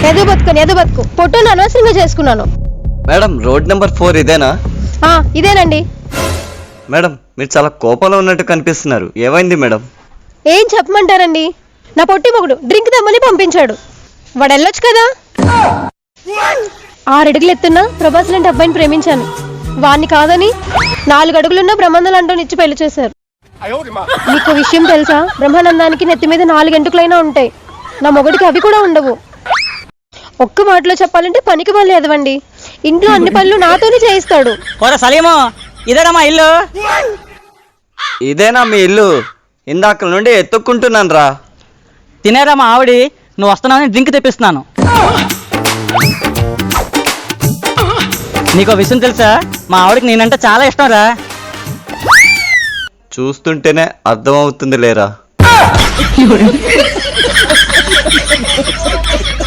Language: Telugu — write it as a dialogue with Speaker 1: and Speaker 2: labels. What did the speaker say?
Speaker 1: ఎదు బతుకు పొట్టును అనవసరంగా చేసుకున్నాను.
Speaker 2: మేడం రోడ్ నెంబర్ 4 ఇదేనా?
Speaker 1: ఇదేనండి.
Speaker 2: మేడం మీరు చాలా కోపంలో ఉన్నట్టు కనిపిస్తున్నారు, ఏమైంది మేడం?
Speaker 1: ఏం చెప్పమంటారండి, నా పొట్టి మొగుడు డ్రింక్ తెమ్మని పంపించాడు. వాడు వెళ్ళొచ్చు కదా. 6 అడుగులు ఎత్తున్నా ప్రభాస్ లాంటి అబ్బాయిని ప్రేమించాను. వాణ్ణి కాదని 4 అడుగులున్న బ్రహ్మానందం అంటూ ఇచ్చి పెళ్లి చేశారు. మీకు విషయం తెలుసా, బ్రహ్మానందానికి నెత్తి మీద 4 ఎంటుకలైనా ఉంటాయి, నా మొగుడికి అవి కూడా ఉండవు. ఒక్క మాటలో చెప్పాలంటే పనికి పనులు ఎదవండి. ఇంట్లో అన్ని పనులు నాతోనే చేయిస్తాడు.
Speaker 3: ఇదేనా మా ఇల్లు?
Speaker 2: ఇదేనా మీ ఇల్లు? ఇందాక నుండి ఎత్తుక్కుంటున్నాను రా.
Speaker 3: తినేరా మా ఆవిడి, నువ్వు వస్తున్నావని డ్రింక్ తెప్పిస్తున్నాను. నీకో విషయం తెలుసా, మా ఆవిడకి నేనంటే చాలా ఇష్టం రా.
Speaker 2: చూస్తుంటేనే అర్థమవుతుంది లేరా.